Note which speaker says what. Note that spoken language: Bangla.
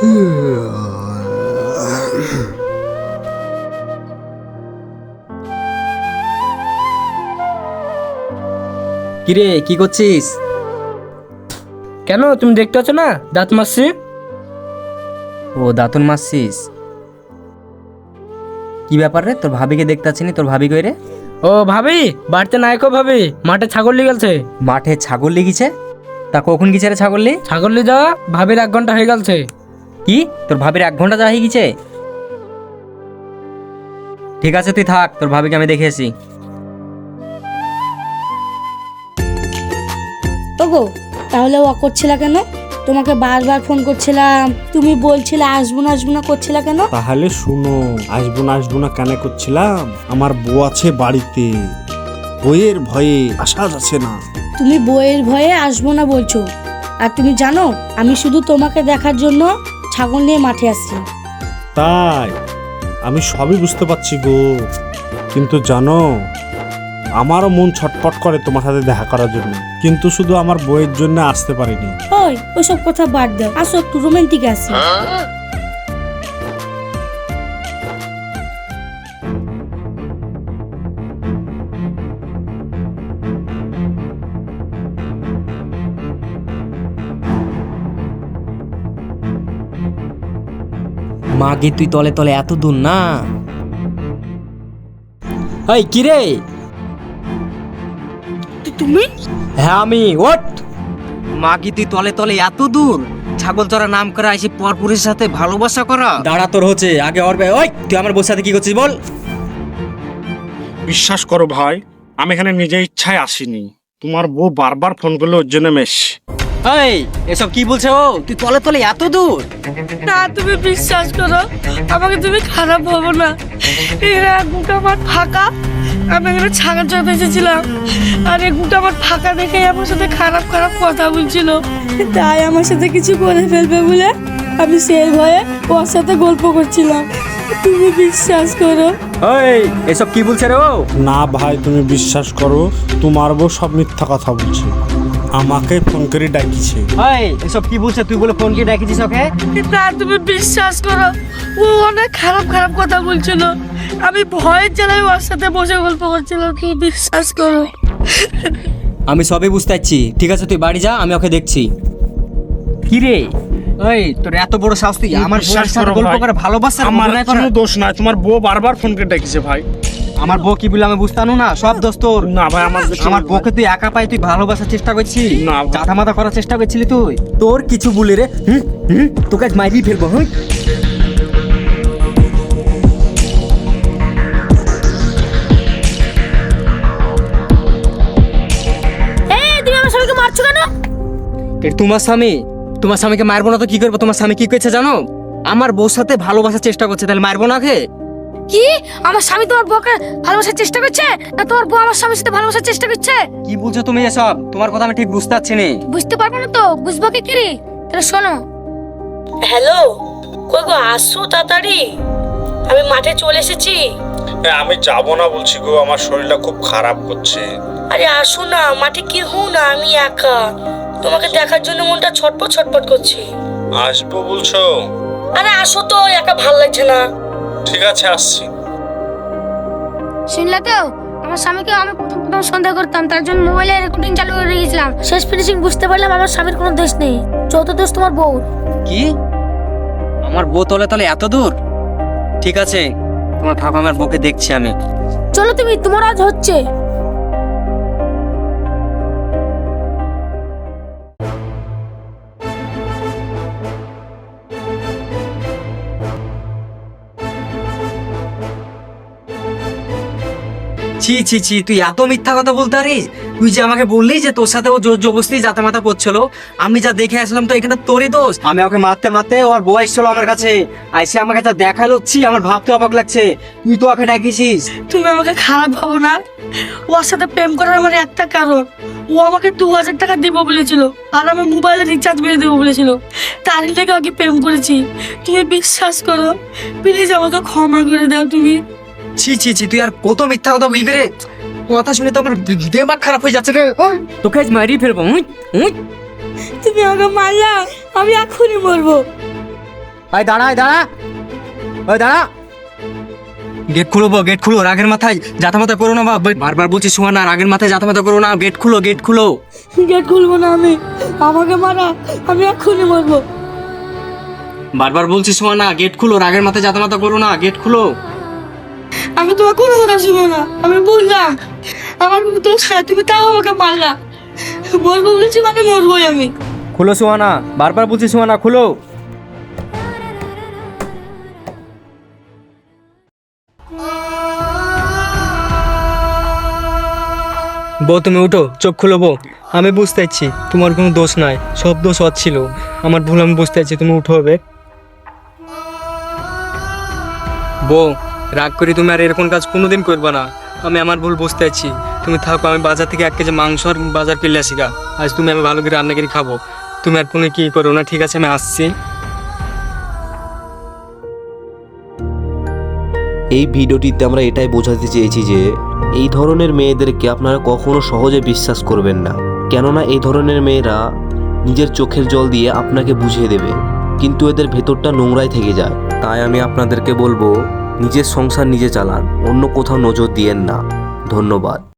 Speaker 1: কিরে কি করছিস?
Speaker 2: কেন তুমি দেখতে পাচ্ছ না দাঁত মারছি?
Speaker 1: ও দাঁতন মারছিস? কি ব্যাপার রে, তোর ভাবিকে দেখতে পাচ্ছি না। তোর ভাবি কই রে?
Speaker 2: ও ভাবি বাড়িতে নাই কো ভাবি, মাঠে ছাগল নিয়ে গেছে।
Speaker 1: মাঠে ছাগল লেগেছে? তা কখন গেছে রে ছাগল লি?
Speaker 2: ছাগল নিয়ে যাওয়া ভাবির 1 ঘন্টা হয়ে গেছে।
Speaker 1: কি তোর ভাবির 1 ঘন্টা যাওয়া হয়ে গেছে? ঠিক আছে তুই থাক, তোর ভাবিকে আমি দেখে আসি।
Speaker 3: ওগো তাহলে ও করছিলা কেন? তোমাকে বারবার ফোন করছিলাম, তুমি বলছিলে আসবো না করছিলা কেন?
Speaker 4: তাহলে শুনো, আসবো না কেন করছিলাম, আমার বউ আছে বাড়িতে, বইয়ের ভয়ে আসা যাচ্ছে না।
Speaker 3: তুমি বইয়ের ভয়ে আসবো না বলছো, আর তুমি জানো আমি শুধু তোমাকে দেখার জন্য ছাগল নিয়ে মাঠে আসছি।
Speaker 4: তাই আমি সবই বুঝতে পারছি গো, কিন্তু জানো আমারও মন ছটফট করে তোমার সাথে দেখা করার জন্য, কিন্তু শুধু আমার বইয়ের জন্য আসতে পারিনি।
Speaker 3: ওই ওসব কথা বাদ দাও, আসো একটু রোমান্টিক আসি।
Speaker 1: মাগে তুই তলে তলে এত দূর না? এই কি রে?
Speaker 3: তুমি?
Speaker 1: হ্যাঁ আমি। ওঠ মাগি, তুই তলে তলে এত দূর? ছাগল চড়া নাম করা এসে পরপুরের সাথে ভালোবাসা করা? দাঁড়া, তোর হচ্ছে আগে অরবে। ওই তুই আমার বউর সাথে কি করছিস বল?
Speaker 4: বিশ্বাস করো ভাই, আমি এখানে নিজে ইচ্ছায় আসিনি, তোমার বউ বারবার ফোন করলে ওর জন্য মেশ।
Speaker 1: এই এসব কি বলছে ও? তুই তলে তলে এত দূর?
Speaker 3: না তুমি বিশ্বাস করো, আমাকে তুমি খারাপ ভাবো না। এরা গুটা মাঠ ফাঁকা, আমি এখানে ছাগল চড়াতে এসেছিলাম, আর এই গুটা মাঠ ফাঁকা দেখে আমার সাথে খারাপ খারাপ কথা বলছিল, তাই আমার সাথে কিছু করে ফেলবে বলে আমি সেই ভয়ে ওর সাথে গল্প করছিলাম। তুমি বিশ্বাস করো।
Speaker 1: এই এসব কি বলছে রে ও?
Speaker 4: না ভাই তুমি বিশ্বাস করো, তোমার বউ সব মিথ্যা কথা বলছে, আমাকে ফোন করে ডাকিছে।
Speaker 1: এই এসব কি বলছে? তুই বলে ফোন কি ডাকিছিস ওকে?
Speaker 3: না তুমি বিশ্বাস করো, ও অনেক খারাপ খারাপ কথা বলছিল, আমি ভয়ের জ্বালায় ওর সাথে বসে গল্প করছিলাম। তুমি বিশ্বাস করো।
Speaker 1: আমি সবই বুঝতে পারছি, ঠিক আছে তুই বাড়ি যা, আমি ওকে দেখছি। কি রে ওই, তোর এত বড় সাহস, তুই আমার
Speaker 4: বিশ্বাস
Speaker 1: বউয়ের সাথে
Speaker 4: করো
Speaker 1: গল্প
Speaker 4: ভাই,
Speaker 1: করে ভালোবাসা?
Speaker 4: আমার কোনো দোষ নাই, তোমার বউ বারবার ফোন করে ডাকিছে ভাই।
Speaker 1: আমার বউ কি বলে আমি বুঝতানো না? সব দোষ তোর।
Speaker 4: না ভাই আমার
Speaker 1: আমার বউকে তুই একা পাই তুই ভালোবাসার চেষ্টা করছিস?
Speaker 4: না ভাই।
Speaker 1: চাঁদা মাথা করার চেষ্টা করছিলি তুই? তোর কিছু বলে রে, তোকে আজ মাইরি ফেলবো।
Speaker 3: তুমি আমার স্বামীকে মারছো কেন?
Speaker 1: তোমার স্বামী? তোমার স্বামীকে মারবো না তো কি করবো? তোমার স্বামী কি করেছে জানো? আমার বউর সাথে ভালোবাসার চেষ্টা করছে, তাহলে মারবো না কে?
Speaker 3: কি আমার স্বামী তোমার বউকে ভালোবাসার চেষ্টা করছে, না তোমার বউ আমার স্বামীর সাথে ভালোবাসার চেষ্টা করছে?
Speaker 1: কি বলছো তুমি এসব? তোমার কথা আমি ঠিক বুঝতে পারছি না।
Speaker 3: বুঝতে পারবো না তো বুঝবো কি করে? তাহলে শোনো। হ্যালো, কই গো আসছো তাড়াতাড়ি, আমি মাঠে চলে এসেছি।
Speaker 4: আমি যাব না বলছি গো, আমার শরীরটা খুব খারাপ করছে।
Speaker 3: আরে আসো না, মাঠে কি হো না, আমি একা, তোমাকে দেখার জন্য মনটা ছটপট ছটপট করছে।
Speaker 4: আসবো বলছো?
Speaker 3: আরে আসো তো, একা ভাল লাগছে না।
Speaker 4: ঠিক আছে আসছি।
Speaker 5: শুনলে তো, আমার স্বামীকে আমি প্রথম সন্দেহ করতাম, তার জন্য মোবাইলে রেকর্ডিং চালু করে রেখেছিলাম।
Speaker 3: শেষ ফিনিশিং বুঝতে পারলাম আমার স্বামীর কোনো দোষ নেই, যত দোষ তোমার বউ।
Speaker 1: কি আমার বউ তলে তলে এত দূর? ঠিক আছে তোমার থাকো, আমার বউকে দেখছি আমি।
Speaker 3: চলো তুমি, তোমার আজ হচ্ছে।
Speaker 1: ছি ছি ছি, তুই এত মিথ্যা কথা বলতে পারিস? তুই যে আমাকে বললি যে তোর সাথে ও জোর জবরদস্তি জাতা মাতা করছিল, আমি যা দেখে আসলাম তো এখানে তোরই দোষ। আমি ওকে মারতে মারতে ওর বউ এসেছিল আমার কাছে, আইসে আমাকে যা দেখালো, ছি আমার ভাবতে অবাক লাগছে। তুই তো ওকে ডাকিছিস।
Speaker 3: তুমি আমাকে খারাপ ভাবো না, ওর সাথে প্রেম করার আমার একটা কারণ, ও আমাকে 2000 টাকা দিব বলেছিল, আর আমার মোবাইলে রিচার্জ মেরে দেবো বলেছিল, তার থেকে আগে প্রেম করেছি। তুমি বিশ্বাস করো, প্লিজ আমাকে ক্ষমা করে দাও তুমি।
Speaker 1: ছি ছি ছি, তুই আর কত মিথ্যা কথা বলবি রে? কথা শুনে তো আমার দিমাগ খারাপ হয়ে যাচ্ছে রে। তোকে আজ মারি ফেলবো।
Speaker 3: তুমি আমাকে মারলা, আমি এখনই মরবো।
Speaker 1: আয় দাঁড়া, দাঁড়া, ওই দাঁড়া। গেট খুলো বউ, গেট খুলো, রাগের মাথায় জাতামাতা করো না বাবা, বারবার বলছি সুহানা রাগের মাথায় জাতামাতা করো না, গেট খুলো, গেট খুলো।
Speaker 3: গেট খুলবো না আমি, আমাকে মারা, আমি এক্ষুনি মরবো।
Speaker 1: বারবার বলছি সুহানা গেট খুলো, রাগের মাথায় জাতামাতা করো না, গেট খুলো।
Speaker 3: আমি তোমার কোনো কথা শুনবো না, আমি বললাম আমার কোনো দোষ নাই, তুমি তাও আমাকে মারলা। বলবো বলেছি মানে মরবোই আমি।
Speaker 1: খুলো সুহানা, বারবার বলছি সুহানা খুলো। বউ তুমি উঠো, চোখ খুলো বউ। আমি বুঝতে পারছি তোমার কোনো দোষ নাই, সব দোষ ওর ছিল, আমার ভুল আমি বুঝতে পারছি, তুমি উঠো হবে। বউ রাগ করি তুমি আর এরকম কাজ কোনোদিন করবে না, আমি আমার ভুল বুঝতে পারছি, তুমি থাকো, আমি বাজার থেকে 1 কেজি মাংস আর বাজার কিনলে আসি গা। আজ তুমি আমি ভালো করে রান্না করে খাবো, তুমি আর কোনো কি করো না, ঠিক আছে আমি আসছি।
Speaker 6: এই ভিডিওটিতে আমরা এটাই বোঝাতে চেয়েছি যে এই ধরনের মেয়েদেরকে আপনারা কখনো সহজে বিশ্বাস করবেন না, কেননা এই ধরনের মেয়েরা নিজের চোখের জল দিয়ে আপনাকে বুঝিয়ে দেবে, কিন্তু এদের ভেতরটা নোংরাই থেকে যায়। তাই আমি আপনাদেরকে বলবো নিজের সংসার নিজে চালান, অন্য কোথাও নজর দিয়েন না। ধন্যবাদ।